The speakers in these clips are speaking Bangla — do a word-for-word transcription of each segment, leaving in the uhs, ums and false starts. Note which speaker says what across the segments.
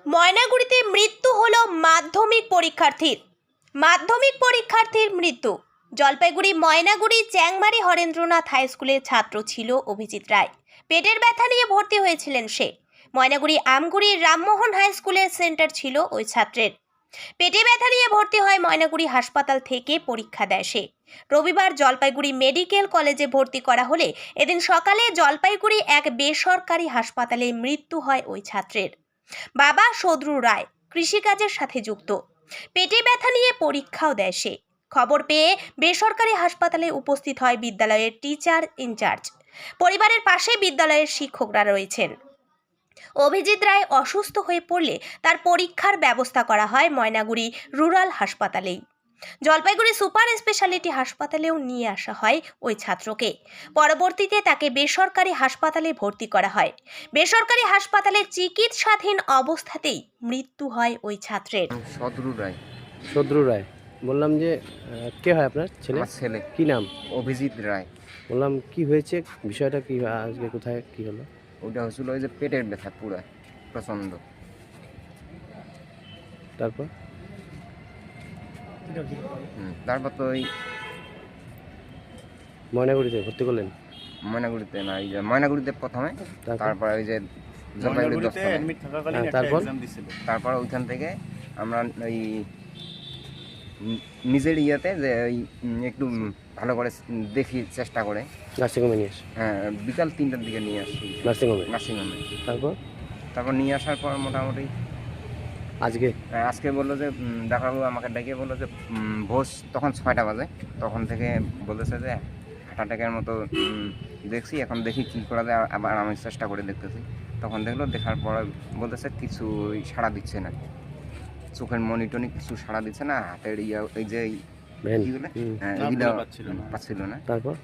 Speaker 1: ময়নাগুড়িতে মৃত্যু হলো মাধ্যমিক পরীক্ষার্থীর। মাধ্যমিক পরীক্ষার্থীর মৃত্যু। জলপাইগুড়ি ময়নাগুড়ি চ্যাংমারি হরেন্দ্রনাথ হাই স্কুলের ছাত্র ছিল অভিজিৎ রায়। পেটের ব্যথা নিয়ে ভর্তি হয়েছিলেন সে। ময়নাগুড়ি আমগুড়ির রামমোহন হাই স্কুলের সেন্টার ছিল ওই ছাত্রের। পেটে ব্যথা নিয়ে ভর্তি হয় ময়নাগুড়ি হাসপাতাল থেকে পরীক্ষা দেয় সে। রবিবার জলপাইগুড়ি মেডিকেল কলেজে ভর্তি করা হলে এদিন সকালে জলপাইগুড়ি এক বেসরকারি হাসপাতালে মৃত্যু হয় ওই ছাত্রের। বাবা সদ্রু রায় কৃষিকাজের সাথে যুক্ত। পেটে ব্যথা নিয়ে পরীক্ষাও দেয় সে। খবর পেয়ে বেসরকারি হাসপাতালে উপস্থিত হয় বিদ্যালয়ের টিচার ইনচার্জ। পরিবারের পাশে বিদ্যালয়ের শিক্ষকরা রয়েছেন। অভিজিৎ রায় অসুস্থ হয়ে পড়লে তার পরীক্ষার ব্যবস্থা করা হয় ময়নাগুড়ি রুরাল হাসপাতালেই। জলপাইগুড়ি সুপার স্পেশালিটি হাসপাতালেও নিয়ে আসা হয় ওই ছাত্রকে। পরবর্তীতে তাকে বেসরকারি হাসপাতালে ভর্তি করা হয়। বেসরকারি হাসপাতালে চিকিৎসাধীন অবস্থাতেই মৃত্যু হয় ওই ছাত্রের।
Speaker 2: সদ্রু রায়।
Speaker 3: সদ্রু রায়, বললাম যে আহ, কে হয় আপনার ছেলে?
Speaker 2: আমার ছেলে
Speaker 3: কি নাম?
Speaker 2: অভিজিৎ রায়।
Speaker 3: বললাম কি হয়েছে, বিষয়টা কি, আজকে কোথায় কি হলো?
Speaker 2: ওটা হয়েছিল ওই যে পেটের ব্যথা পুরা প্রচন্ড।
Speaker 3: তারপর
Speaker 2: হুম, তারপর তো ওই
Speaker 3: ময়নাগুড়িতে ভর্তি করলেন?
Speaker 2: ময়নাগুড়িতে না, এই যে ময়নাগুড়িতে প্রথমে,
Speaker 3: তারপর
Speaker 2: তারপর ওই যে জলপাইগুড়ি দশতলায়।
Speaker 3: হ্যাঁ, তারপর
Speaker 2: তারপর ওইখান থেকে আমরা ওই উম নিজের ইয়েতে যে ওই উম একটু ভালো করে দেখি চেষ্টা করে,
Speaker 3: নার্সিংহোমে নিয়ে আসে?
Speaker 2: হ্যাঁ, বিকাল তিনটার দিকে নিয়ে আসি
Speaker 3: নার্সিংহোমে?
Speaker 2: নার্সিংহোমে।
Speaker 3: তারপর
Speaker 2: তারপর নিয়ে আসার পর মোটামুটি
Speaker 3: আজকে
Speaker 2: হ্যাঁ, আজকে বললো যে উম, ডাক্তারবাবু আমাকে ডেকে বললো যে উম, ভোর তখন ছয়টা বাজে, তখন থেকে বলেছে যে হার্ট অ্যাটাকের মতো উম, দেখছি, এখন দেখি কী করা যায়। আবার আমি চেষ্টা করে দেখতেছি, তখন দেখলো, দেখার পর বলতেছে কিছু সাড়া দিচ্ছে না, চোখের মনিটনি কিছু সাড়া দিচ্ছে না, হাতের ইয়া এই যে এই
Speaker 3: ভ্যান?
Speaker 2: ইগুলো,
Speaker 3: হুম।
Speaker 2: হ্যাঁ, এগুলো পাচ্ছিল না।
Speaker 3: তারপর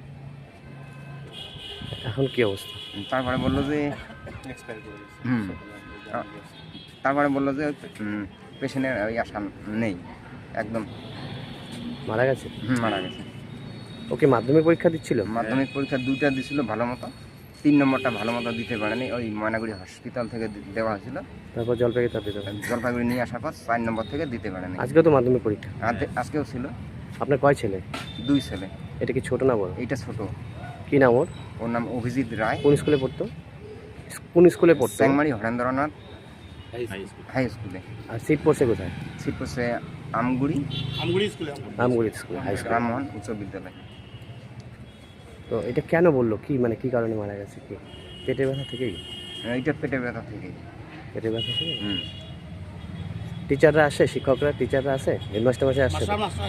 Speaker 3: এখন কি অবস্থা?
Speaker 2: তারপরে বললো যে হুম তারপরে বললো যে পেশেন্টের ওই আশা নেই, একদম
Speaker 3: মারা গেছে?
Speaker 2: হুম, মারা গেছে।
Speaker 3: ওকে মাধ্যমিক পরীক্ষা দিচ্ছিল?
Speaker 2: মাধ্যমিক পরীক্ষা দুইটা দিছিল ভালো মতো, তিন নম্বরটা ভালো মতো দিতে পারেনি, ওই ময়নাগুড়ি হসপিটাল থেকে দি- দেওয়া হয়েছিল।
Speaker 3: তারপর জলপাইগুড়ি তার দিতে?
Speaker 2: জলপাইগুড়ি নিয়ে আসার পর চার নম্বর থেকে দিতে পারেনি।
Speaker 3: আজকেও তো মাধ্যমিক পরীক্ষা।
Speaker 2: আজকে- আজকেও ছিল।
Speaker 3: আপনার কয় ছেলে?
Speaker 2: দুই ছেলে।
Speaker 3: এটা কি ছোট না বড়?
Speaker 2: এইটা ছোট।
Speaker 3: কি নাম ওর?
Speaker 2: ওর নাম অভিজিৎ রায়।
Speaker 3: কোন স্কুলে পড়তো? কোন স্কুলে পড়তো?
Speaker 2: চ্যাংমারি হরেন্দ্রনাথ হাই স্কুলে।
Speaker 3: আর সিট পড়ছে কোথায়?
Speaker 2: সিট পড়ছে আমগুড়ি
Speaker 3: আমগুড়ি স্কুলে, হাই স্কুল,
Speaker 2: রামমোহন উচ্চ বিদ্যালয়।
Speaker 3: তো এটা কেন বললো, কি মানে কি কারণে মারা গেছে? কি পেটে ব্যথা থেকেই?
Speaker 2: এইটা পেটে ব্যথা থেকে।
Speaker 3: পেটে ব্যথা থেকে?
Speaker 2: হুম।
Speaker 3: টিচাররা আসে, শিক্ষকরা টিচাররা আসে, হেডমাস্টার মাসে আসে?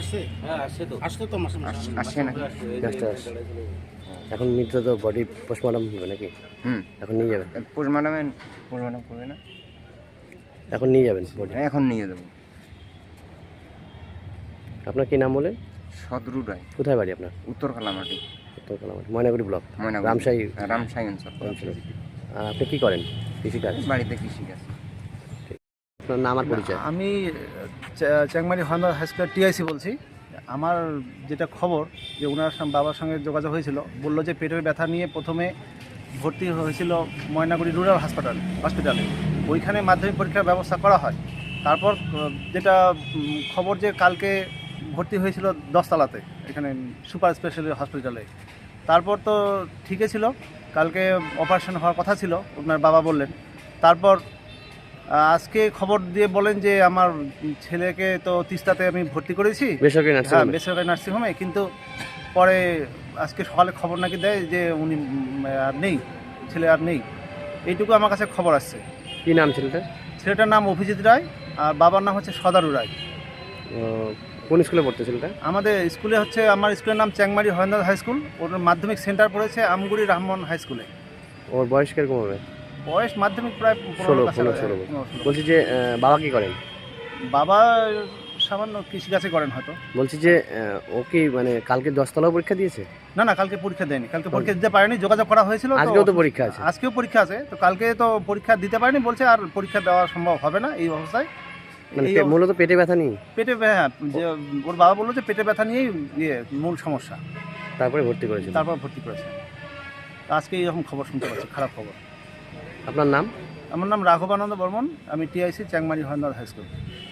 Speaker 2: আস- আসে না।
Speaker 3: মাস্টার আসে। এখন মৃত তো বডি পোস্টমর্টম হবে নাকি?
Speaker 2: হুম,
Speaker 3: এখন নিয়ে যাবেন?
Speaker 2: পোস্ট ম্যাডামে পোস্ট ম্যাডাম করবে না,
Speaker 3: এখন নিয়ে যাবেন বডি?
Speaker 2: এখন নিয়ে যাবো।
Speaker 3: আপনার কি নাম বলেন?
Speaker 2: সদরু রায়।
Speaker 3: কোথায় বাড়ি আপনার?
Speaker 2: উত্তর কালামাটি,
Speaker 3: উত্তর কালামাটি, ময়নাগুড়ি ব্লক,
Speaker 2: ময়নাগুড়ি,
Speaker 3: রামশাহী।
Speaker 2: রামশাহী অঞ্চল।
Speaker 3: আর আপনি কি করেন? কৃষিকাজ?
Speaker 2: বাড়িতে কৃষিকাজ।
Speaker 3: আপনার নাম আর পরিচয়?
Speaker 4: আমি চা- চ্যাংমারি হন্ডা হাই স্কুলের টিআইসি বলছি। আমার যেটা খবর, যে ওনার সঙ্গে বাবার সঙ্গে যোগাযোগ হয়েছিল, বললো যে পেটের ব্যথা নিয়ে প্রথমে ভর্তি হয়েছিল ময়নাগুড়ি রুরাল হাসপাতাল হসপিটালে। ওইখানে মাধ্যমিক পরীক্ষার ব্যবস্থা করা হয়। তারপর আহ, যেটা উম, খবর যে কালকে ভর্তি হয়েছিল দশতলাতে, এখানে সুপার স্পেশালিটি হসপিটালে। তারপর তো ঠিকই ছিল, কালকে অপারেশন হওয়ার কথা ছিল, ওনার বাবা বললেন। তারপর আজকে খবর দিয়ে বলেন যে আমার ছেলেকে তো তিস্তাতে আমি ভর্তি করেছি,
Speaker 3: বেসরকারি
Speaker 4: হ্যাঁ,
Speaker 3: নার্সিংহোমে?
Speaker 4: বেসরকারি নার্সিংহোমে, কিন্তু পরে আজকে সকালে খবর নাকি দেয় যে উনি উম, আর নেই, ছেলে আর নেই। এইটুকু আমার কাছে খবর আসছে।
Speaker 3: কি নাম ছেলেটার?
Speaker 4: ছেলেটার নাম অভিজিৎ রায়, আর বাবার নাম হচ্ছে সদারু রায়।
Speaker 3: আহ, কোন স্কুলে পড়তো ছেলেটা?
Speaker 4: আমাদের স্কুলে হচ্ছে, আমার স্কুলের নাম চ্যাংমারি হরেন্দ্রনাথ হাই স্কুল, ওর মাধ্যমিক সেন্টার পড়েছে আমগুড়ি রামমোহন হাই স্কুলে।
Speaker 3: ওর বয়স কিরকম হবে?
Speaker 4: বয়স মাধ্যমিক প্রায়
Speaker 3: ষোলো,
Speaker 4: পনেরো কাছাকাছি,
Speaker 3: পনেরো, ষোলো।
Speaker 4: পনেরো, ষোলো।
Speaker 3: বলছি যে আহ, বাবা কি করেন?
Speaker 4: বাবা সামান্য কৃষিকাজে করেন হয়তো।
Speaker 3: বলছি যে আহ, ও কি মানে কালকে দশতলাও পরীক্ষা দিয়েছে?
Speaker 4: না না, কালকে পরীক্ষা দেয়নি, কালকে পরীক্ষা দিতে পারেনি, যোগাযোগ করা হয়েছিল।
Speaker 3: আজকেও তো পরীক্ষা আছে?
Speaker 4: আজকেও পরীক্ষা আছে, তো কালকে তো পরীক্ষা দিতে পারেনি, বলছে আর পরীক্ষা দেওয়া সম্ভব হবে না এই অবস্থায়।
Speaker 3: মানে
Speaker 4: এই
Speaker 3: পে-
Speaker 4: অব-
Speaker 3: মূলত পেটে ব্যথা নেই?
Speaker 4: পেটে ব্যা- হ্যাঁ, যে ওর বাবা বললো যে পেটে ব্যথা নিয়েই ইয়ে মূল সমস্যা,
Speaker 3: তারপরে ভর্তি করেছিল?
Speaker 4: তারপর ভর্তি করেছে। আজকে এইরকম খবর শুনতে পাচ্ছি, খারাপ খবর।
Speaker 3: আপনার নাম?
Speaker 4: আমার নাম রাঘবানন্দ বর্মন, আমি TIC Changmari Harnath high school.